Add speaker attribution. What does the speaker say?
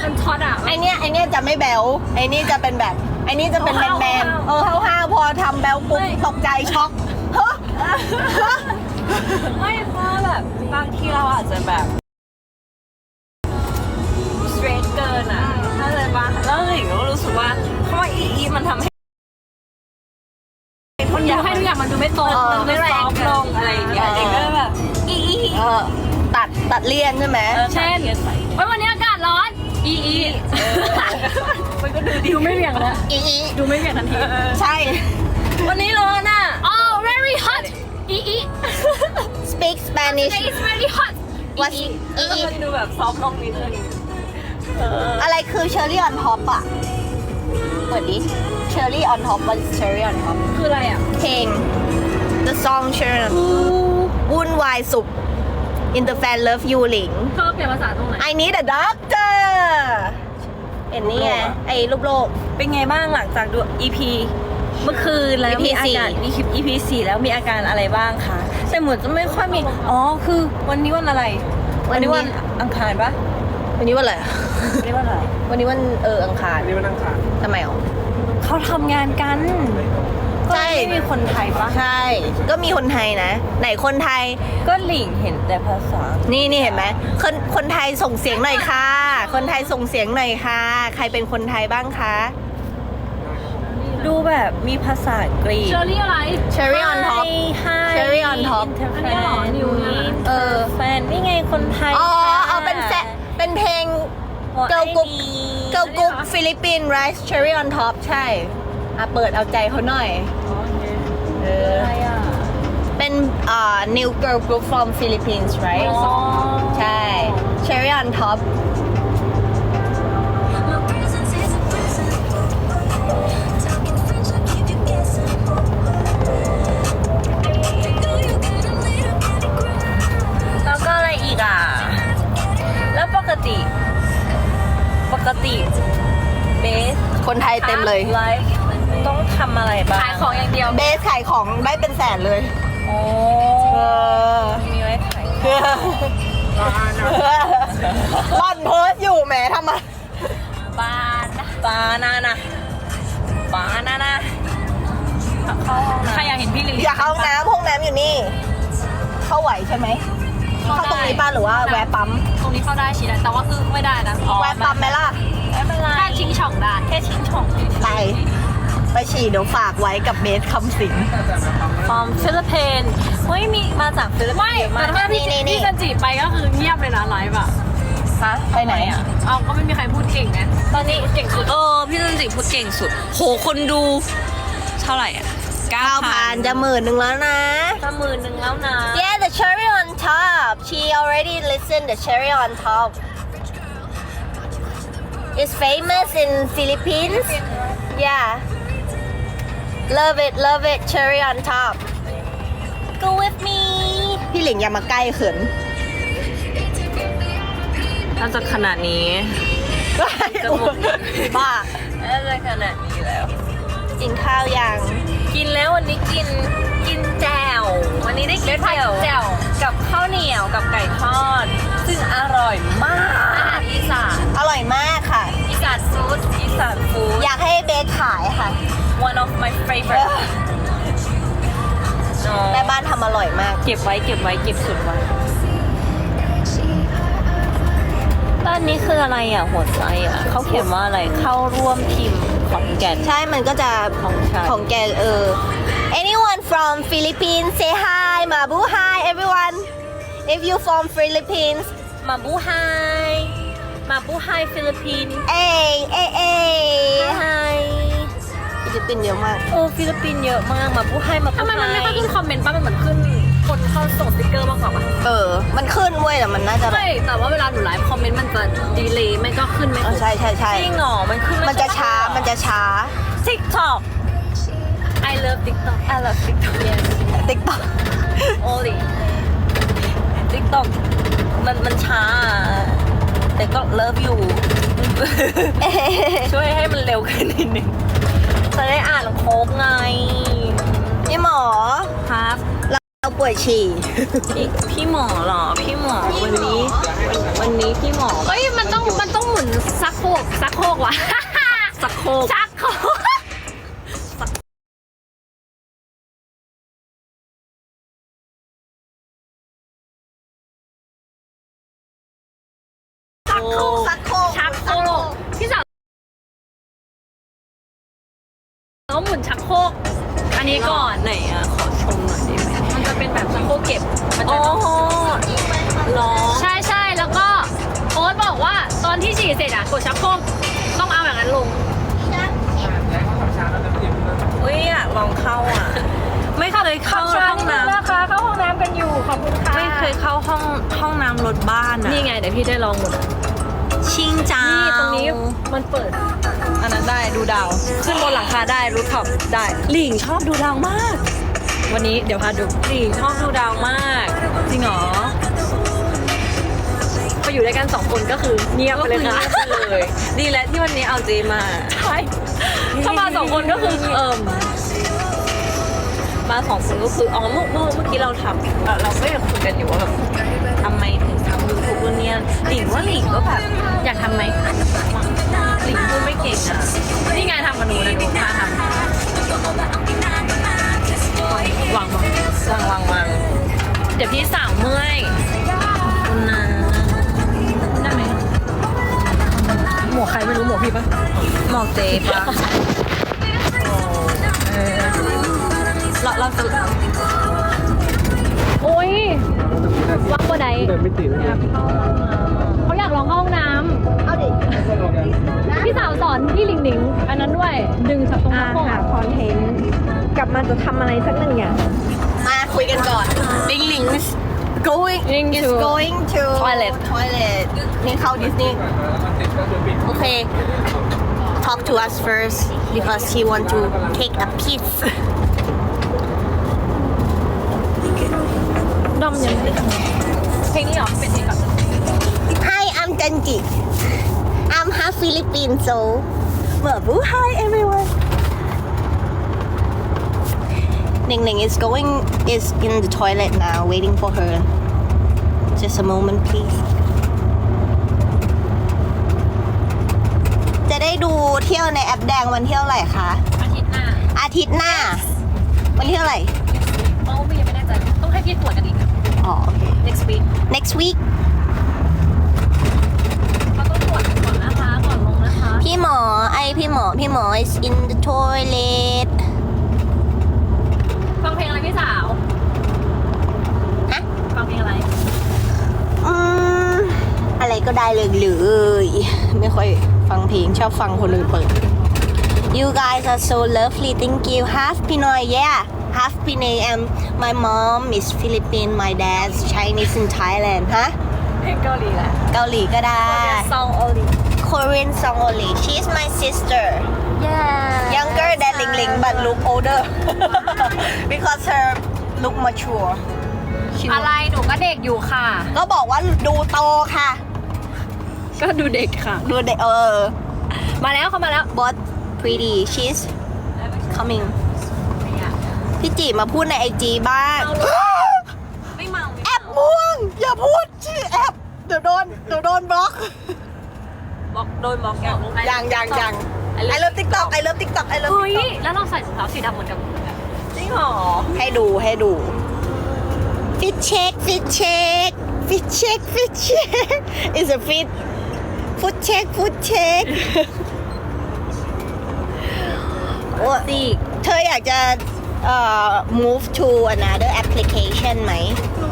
Speaker 1: มันช็อตอ่ะ
Speaker 2: ไอเนี้ยจะไม่แบวไอนี่จะเป็นแบบไอนี่จะเป็นแมนห้าวพอทำแบวปุ๊บตกใจช็อกเฮ้อ
Speaker 3: ไม่เพราะแบบบางทีเราอาจจะแบบสเตรทเกินอ่ะถ้าเลยว่าแล้วหลิงก็รู้สึกว่าเพราะว่าอีมันทำให้
Speaker 1: มันอยากให้ทุกอย่างมันดูไม่ตรงมันดู
Speaker 3: ไม่
Speaker 1: ไม่
Speaker 3: แร
Speaker 1: แรง ง
Speaker 3: ลงอะไรอย่างเงี้ยเด็กก็เลยแบบอี
Speaker 2: ตัดเลี่ยนใช่ไหม
Speaker 1: เช่นวันนี้อากาศร้อนอีมันก็ดูไม่เหวี่ยงแล้ว
Speaker 2: อี
Speaker 1: ดูไม่เหวี่ยงทันที
Speaker 2: ใช่
Speaker 3: วันนี้ร้อนอ่ะ
Speaker 1: oh very hot อี
Speaker 2: speak Spanish
Speaker 1: it's very hot
Speaker 2: what
Speaker 3: แล้วมันดูแบบซอฟต์ลงนิดนึง
Speaker 2: อะไรคือ cherry on top อ่ะเปิดดิ cherry on top what is cherry on top
Speaker 1: คืออะไรอ่ะ
Speaker 2: เพลง the song cherry on top วุ่นวายสุข in the fan love you หลิง
Speaker 1: เธอเปลี่ยนภาษาตรงไหน
Speaker 2: I need a doctor เห็นนี่ไงไอ้รูปโลก
Speaker 3: เป็นไงบ้างหลังจากดู EP เมื่อคืนแล้ว
Speaker 2: EP
Speaker 3: มีอาการ EP 4แล้วมีอาการอะไรบ้างคะแต่เหมือนจะไม่ค่อยมีอ๋อคือวันนี้วันอะไรวันนี้วันอังคารปะ
Speaker 2: วันนี้วันอะไร
Speaker 3: วันนี้วันอะไร
Speaker 2: วันนี้วันอังคาร
Speaker 4: นี่มันนั่งขาด
Speaker 2: ทำไมอ๋อ
Speaker 3: เขาทำงานกัน
Speaker 2: ใช่
Speaker 3: ก็ไม่มีคนไทยปะ
Speaker 2: ใช่ ก็มีคนไทยนะ ไหนคนไทย
Speaker 3: ก็หลิงเห็นแต่ภาษา
Speaker 2: นี่เห็นไหมคนไทยส่งเสียงหน่อยค่ะ คนไทยส่งเสียงหน่อยค่ะ ใครเป็นคนไทยบ้างคะ
Speaker 3: ดูแบบมีภาษากรีก
Speaker 1: เชอรี่อะไร
Speaker 2: Cherry on top Cherry on top
Speaker 1: อันนี้เหรอนิวเนี่ย
Speaker 3: แฟนนี่ไงคนไทย
Speaker 2: อ๋อ
Speaker 3: ค่ะ
Speaker 2: เอาเป็นเพลง
Speaker 3: หัว
Speaker 2: เกิร์ลกรุ๊ป
Speaker 3: ไอ้นี่
Speaker 2: เกิร์ลกรุ๊ปฟิลิปปินส์ right Cherry on top ใช่เปิดเอาใจเขาหน่อยเออ
Speaker 3: อะไรอ่ะ
Speaker 2: เป็น new girl group from Philippines right
Speaker 3: อ๋อ
Speaker 2: ใช่ Cherry on top
Speaker 3: แล้วก็อะไรอีกอ่ะ แล้วปกติเบส
Speaker 2: คนไทยเต็มเลย
Speaker 3: ไลฟ์ต้องทำอะไรบ้าง
Speaker 1: ขายของอย่างเดียว
Speaker 2: เบสขายของได้เป็นแสนเลย
Speaker 3: โอ้
Speaker 2: เออ
Speaker 3: มีไว้ขาย
Speaker 2: ร่อนโพสต์อยู่แหมทำไม
Speaker 3: บานานะเข้าห้องน้ำ
Speaker 1: ใครอยากเห็นพี่ลิล
Speaker 2: อยากเข้าห้องน้ำห้องน้ำอยู่นี่ เข้าไหวใช่ไหม เข้าตรงนี้ป้าหรือว่าแวะปั๊ม
Speaker 1: ตรงนี้เข้าได้ชีนะแต่ว่าคือไม่ได้นะ
Speaker 2: แวะปั๊มไหมล่ะ
Speaker 3: ไม่เป็นไร
Speaker 1: แค่ชิงช่องได้
Speaker 3: แค่ชิ้นช่อง
Speaker 2: ไปฉี่เดี๋ยวฝากไว้กับเบสคำสิง
Speaker 3: ฟอร์มฟิลิปปินส์เฮ้ยมีมาจากฟิลิปปิน
Speaker 1: ไม่
Speaker 3: ส์เยอะ
Speaker 1: แต่
Speaker 3: มาก
Speaker 1: ถ้าพี่
Speaker 2: นี่
Speaker 1: พี่จันจิไปก็คือเงียบเลยนะไลฟ์อ่ะ
Speaker 3: ฮะ
Speaker 2: ไปไหนอ่ะ
Speaker 1: เอาก็ไม่มีใครพูดเก่งไง
Speaker 3: ตอนนี้
Speaker 1: เก่งสุด
Speaker 3: พี่จันจิพูดเก่งสุดโหคนดูเท่าไหร่อ่ะ
Speaker 2: 9,000 จะ10,000แล้วนะ
Speaker 3: 10,000แล้วนะ
Speaker 2: Yeah the cherry on top she already listened the cherry on top It's famous in Philippines Yeah love it cherry on top
Speaker 3: Go with me
Speaker 2: พี่หลิงอย่ามาใกล้เขิน
Speaker 3: น่าจะขนาดนี้
Speaker 2: บ้า
Speaker 3: น่าจะขนาดนี้แล้ว
Speaker 2: กินข้าวยัง
Speaker 3: กินแล้ววันนี้กินแจ่ววันนี้ได้กินแจ่วกับข้าวเหนียวกับไก่ทอด ซึ่งอร่อยมาก
Speaker 1: อาหารอีสาน
Speaker 2: อร่อยมากค่ะ
Speaker 1: อีสานฟู้ด
Speaker 3: อีสานฟู้ด
Speaker 2: อยากให้เบสขายค่ะ
Speaker 3: one of my favorite
Speaker 2: แม่บ้านทำอร่อยมาก
Speaker 3: เก็บไว้เก็บสุดไว้ด้านนี้คืออะไรอ่ะหัวใจอ่ะเขาเขียนว่าอะไรเข้าร่วมทีมของแก่น
Speaker 2: ใช่มันก็จะ
Speaker 3: ของฉัน
Speaker 2: ของแกanyone from Philippines say hi Mabu hi everyone if you from Philippines
Speaker 3: มาบูไฮฟิลิปปินส์
Speaker 2: เอ้ย
Speaker 3: ไฮ
Speaker 2: ฟิลิปปินส์เยอะมาก
Speaker 3: ฟิลิปปินส์เยอะมากมาบูไฮ
Speaker 1: ทำไมมันไม่ค่อยขึ้นคอมเมนต์ป่ะมันเหมือนขึ้นคนเข้าส่งสติ๊กเกอร์มากกว่าป่ะ
Speaker 2: มันขึ้นเว้ยแต่มันน่าจะแบบ
Speaker 1: ไม่แต่ว่าเวลาหนูไลฟ์คอมเมนต์มันจะดีเลย์ไม่ก็ขึ้นไม่ครบ
Speaker 2: ใช่
Speaker 3: จริงเหรอมันขึ้น
Speaker 2: มันจะช้า
Speaker 3: TikTok
Speaker 1: I love TikTok
Speaker 3: I love TikTok
Speaker 1: yes
Speaker 2: TikTok
Speaker 1: only
Speaker 3: TikTok มันช้า แต่ก็ love you ช่วยให้มันเร็วขึ้นนิดนึงจะได้อ่านโค้กไง
Speaker 2: พี่หมอ
Speaker 3: ครับ
Speaker 2: เราป่วยฉี่
Speaker 3: พี่หมอเหรอพี่หมอวันนี้พี่หมอ
Speaker 1: เฮ้ยมันต้องหมุนซัก
Speaker 3: สักโคก
Speaker 1: ชักโครก
Speaker 2: สักโครกสักโครก
Speaker 1: ชักโครกพี่สาวแล้วหมุนชักโครกอันนี้ก่อน
Speaker 3: ไหนอ่ะ ขอชมหน่อยได้ไหม
Speaker 1: มันจะเป็นแบบชักโครกเก็บมัน
Speaker 3: โอ้
Speaker 1: จะ
Speaker 3: โหร้อง
Speaker 1: ใช่ใช่แล้วก็โอ๊ตบอกว่าตอนที่ฉี่เสร็จอะกดชักโครกต้องเอาอย่างนั้นลง
Speaker 3: อุ้ยอยากลองเข้าอ่ะ ไม่เคยเข้าห้องน้ำ
Speaker 1: นะคะเข้าห้องน้ำกันอยู่ขอบคุณค่ะ
Speaker 3: ไม่เคยเข้าห้องน้ำรถบ้านอ่ะ
Speaker 1: นี่ไงเดี๋ยวพี่ได้ลองหมด
Speaker 3: ชิงจ้า
Speaker 1: นี่
Speaker 3: นี่
Speaker 1: ตรงนี้มันเปิด
Speaker 3: อันนั้นได้ดูดาว ขึ้นบนหลังคาได้รูฟท็อปได้หลิงชอบดูดาวมาก
Speaker 1: วันนี้เดี๋ยวพาดู
Speaker 3: หลิงชอบดูดาวมาก จริงเหรอ
Speaker 1: พออยู่ด้วยกัน2คนก็คือเงียบไปเลยค่ะ
Speaker 3: ก็คือเงียบไปเลย ดีแล้วที่วันนี้เอาเจมา
Speaker 1: ใช่ถ้ามา2คนก็คือ
Speaker 3: มาสองคนก็คือเมื่อกี้เราทำเราก็ยังคุยกันอยู่ว่าแบบทำไมถึงทำยูทูบเนี่ยหลิงว่าหลิงก็แบบ
Speaker 1: อยากทำไหม
Speaker 3: หลิงพูดไม่เก่งอ่ะ
Speaker 1: นี่ไงทำมาดูนะดูมาทำวาง
Speaker 3: วาง
Speaker 1: เดี๋ยวพี่สาวเมื่อย
Speaker 3: คุณนะ
Speaker 1: ได้ไหมหมวกใครไม่รู้หมวกพี่ปะ
Speaker 3: หมอกเจปะเราจะ
Speaker 1: โอ้ยวักบัวใด
Speaker 4: เดินไม่ติดเลย
Speaker 1: เขาอยากลองเข้าห้องน้
Speaker 2: เอาดิ
Speaker 1: ำพี่สาวสอนพี่หลิงหลิงอันนั้นด้วยดึงชักตรงชักโครก
Speaker 3: คอนเทนต์กลับมาจะทำอะไรสักหนึ่งอย่าง
Speaker 2: มาคุยกันก่อนลิงลิง is going to toilet นี่เข้าดิสนีย์โอเค talk to us first because he want to take a piece
Speaker 1: ดอมยังเพลงนี้เหรอเป็นเพลงก่อน
Speaker 2: Hi I'm Janji I'm half Philippine so Mabu hi everyone Ning Ning is in the toilet now waiting for her just a moment please จะได้ดูเที่ยวในแอปแดงวันเที่ยวไหร่คะ
Speaker 1: อาทิตย์หน้า
Speaker 2: อาทิตย์หน้า วันที่เท่าไหร่
Speaker 1: โอ้ไม่ยังไม่แน่ใจต้องให้พี่ตรวจกันอีกอะ
Speaker 2: อ๋อโอเค
Speaker 1: next week
Speaker 2: next week
Speaker 1: เราต้องตรวจก่อนนะคะก่อนลงนะคะ
Speaker 2: พี่หมอพี่หมอ is in the toilet
Speaker 1: ฟังเพลงอะไรพี่สาว
Speaker 2: ฮะ
Speaker 1: ฟังเพลงอะไร
Speaker 2: อะไรก็ได้เลยไม่ค่อยฟังเพลงชอบฟังคนอื่นเปิด You guys are so lovely thank you half Pinoy yeah half Pinoy and my mom is Philippine my dad's Chinese in Thailand ฮะ
Speaker 1: เพลงเกาหลีแหละ
Speaker 2: เกาหลีก็ได้
Speaker 1: song only
Speaker 2: Korean song only she's my sister
Speaker 1: yeah
Speaker 2: younger than Ling Ling but look older because her look mature She
Speaker 1: อะไรหนูก็เด็กอยู่ค่ะ
Speaker 2: ก็บอกว่าดูโตค่ะ
Speaker 1: ก็ดูเด็กค่ะ
Speaker 2: ดูเด็ก
Speaker 1: มาแล้วเขามาแล้ว
Speaker 2: but pretty she's coming พี่จีมาพูดในไอจีบ้าง
Speaker 3: ไม่เมา
Speaker 2: แอปม่วง อย่าพูดชื่อแอปเดี๋ยวโดนบล็อก
Speaker 3: บอกโดนบอกอย่าง
Speaker 2: ยังI love TikTok I love TikTok I love
Speaker 1: เฮ้ย
Speaker 2: TikTok
Speaker 1: แล้วเราใส่รองเท้าสีดำเหมือนกัน
Speaker 3: จริงเหรอ
Speaker 2: ให้ดูfit check is a fit foot check โอ้
Speaker 1: สิ
Speaker 2: เธออยากจะmove to another application ไหม
Speaker 3: หนู